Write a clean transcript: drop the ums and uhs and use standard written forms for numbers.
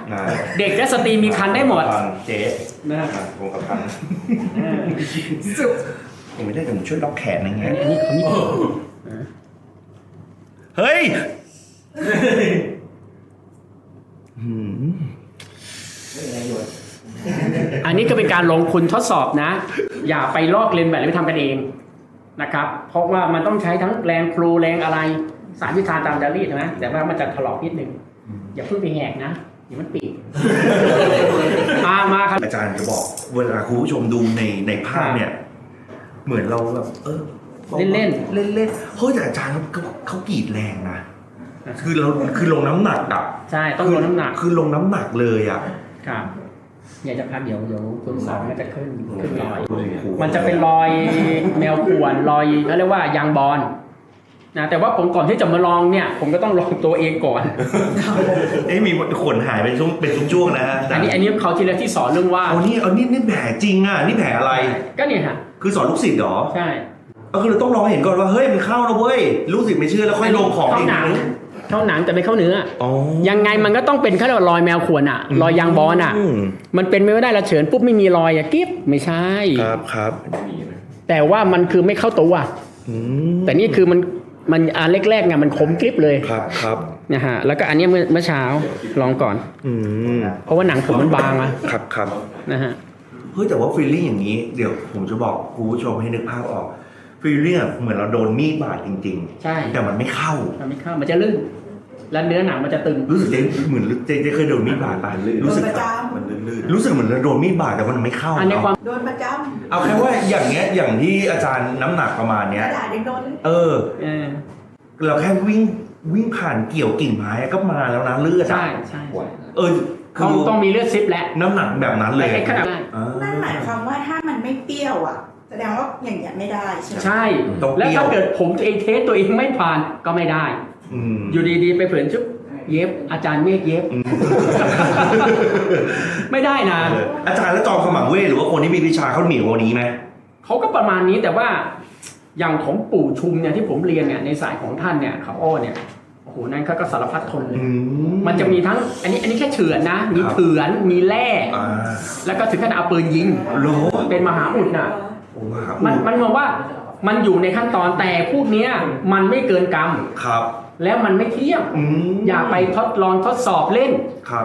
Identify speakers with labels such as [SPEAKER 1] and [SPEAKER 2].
[SPEAKER 1] เด็กและสตรีมีคันได้หมด
[SPEAKER 2] เจ๊
[SPEAKER 1] นะ
[SPEAKER 2] วงกับพันผมไม่ได้แต่ผมช่วยล็อกแขนอะไรเงี้ย
[SPEAKER 1] อันนี้เขามี
[SPEAKER 2] เฮ้ย
[SPEAKER 1] อันนี้ก็เป็นการลงทุนทดสอบนะอย่าไปลอกเลียนแบบหรือไปทำกันเองนะครับเพราะว่ามันต้องใช้ทั้งแรงครูแรงอะไรสารพิษทานตามจารีตนะแต่ว่ามันจะถลอกนิดนึงอย่าเพิ่งไปแหกนะเดี๋ยวมันปีกมาครับ
[SPEAKER 2] อาจารย์จะบอกเวลาคุณผู้ชมดูในภาพเนี่ยเหมือนเราแบบเล่นเฮ้ยแต่อาจารย์เขากรีดแรงนะคือลงน้ำหนักอ่ะ
[SPEAKER 1] ใช่ต้องลงน้ำหนัก
[SPEAKER 2] คือลงน้ำหนักเลยอ่ะ
[SPEAKER 1] ครับอยากจะพักเดี๋ยวคุณสองมันจะขึ้นรอยมันจะเป็นรอยแมวข่วนรอยเขาเรียกว่ายางบอลนะแต่ว่าผมก่อนที่จะมาลองเนี่ยผมก็ต้องลองตัวเองก่อน
[SPEAKER 2] มีขนหายเป็นช่วงๆนะฮะ
[SPEAKER 1] อันนี้เขาทีแรกที่สอนเรื่องว่า
[SPEAKER 2] เอานี่แผลจริงอ่ะนี่แผลอะไร
[SPEAKER 1] ก็เนี่ยฮะ
[SPEAKER 2] คือสอนลูกศิษย์เหรอ
[SPEAKER 1] ใช่
[SPEAKER 2] ก็คือเราต้องลองเห็นก่อนว่าเฮ้ยมันเข้าแล้วเว้ยลูกศิษย์ไม่เชื่อแล้วค่อยลงของ
[SPEAKER 1] เข้าหนังแต่ไม่เข้าเนื้อยังไงมันก็ต้องเป็นเขาเรียกว่ารอยแมวข่วนอ่ะรอยยางบอลอ่ะมันเป็นไม่ได้ละเฉินปุ๊บไม่มีรอยอ่ะกิ๊บไม่ใช่
[SPEAKER 2] ครับ
[SPEAKER 1] แต่ว่ามันคือไม่เข้าตัวแต่นี่คือมันอันแรกๆไงมันคมกริบเลย
[SPEAKER 2] ครับ
[SPEAKER 1] นะฮะแล้วก็อันนี้เมื่อเช้าลองก่อนเพราะว่าหนังผมมันบางอะ
[SPEAKER 2] ครับ
[SPEAKER 1] นะฮะ
[SPEAKER 2] เฮ้ยแต่ว่าฟีลลิ่งอย่างนี้เดี๋ยวผมจะบอกคุณผู้ชมให้นึกภาพออกฟีลลิ่งเหมือนเราโดนมีดบาดจริงๆ
[SPEAKER 1] ใช่
[SPEAKER 2] แต่มันไม่เข้า
[SPEAKER 1] มันจะลื่นแล้วเนื้อหนังมันจะตึง
[SPEAKER 2] รู้สึกเหมือนเจ๊เคยโดนมีดบาดรู้สึกมันลื่นรู้สึกเหมือนเราโดนมีดบาดแต่มันไม่เข้า
[SPEAKER 1] อันนี้ความ
[SPEAKER 3] โดนประจำ
[SPEAKER 2] เอาแค่ว่าอย่างเงี้ยอย่างที่อาจารย์น้ำหนักประมาณเนี้ยเราแค่วิ่งผ่านเกี่ยวกิ่งไม้ก็มาแล้วนะเลือด
[SPEAKER 1] ใช่ต้องมีเลือดซิปและ
[SPEAKER 2] น้ำหนักแบบนั้นเลย
[SPEAKER 3] นั่นหมายความว่าถ้ามันไม่เปรี้ยวอ่ะแสดงว่าอย่างเงี้ยไม่ได้ใช่ไหม
[SPEAKER 1] ใช่แล้วถ้าเกิดผมตัวเองเทสตัวเองไม่ผ่านก็ไม่ได้อยู่ดีๆไปเผื่อชุบเย็บอาจารย์เมฆเย็บไม่ได้นะ
[SPEAKER 2] อาจารย์แล้วจอมขมังเวทหรือว่าคนที่มีวิชาเขาหมิ่นวันนี้ไหม
[SPEAKER 1] เขาก็ประมาณนี้แต่ว่าอย่างของปู่ชุมเนี่ยที่ผมเรียนเนี่ยในสายของท่านเนี่ยเขาอ้อเนี่ยโอ้โหนั่นเขาก็สารพัดทนเลยมันจะมีทั้งอันนี้แค่เฉือนนะมีเถือนมีแร่แล้วก็ถึงขนาดเอาปืนยิงเป็นมหาอุดน่ะมันมองว่ามันอยู่ในขั้นตอนแต่พวกนี้มันไม่เกินกรรม
[SPEAKER 2] ครับ
[SPEAKER 1] แล้วมันไม่เที่ยงอย่าไปทดลองทดสอบเล่น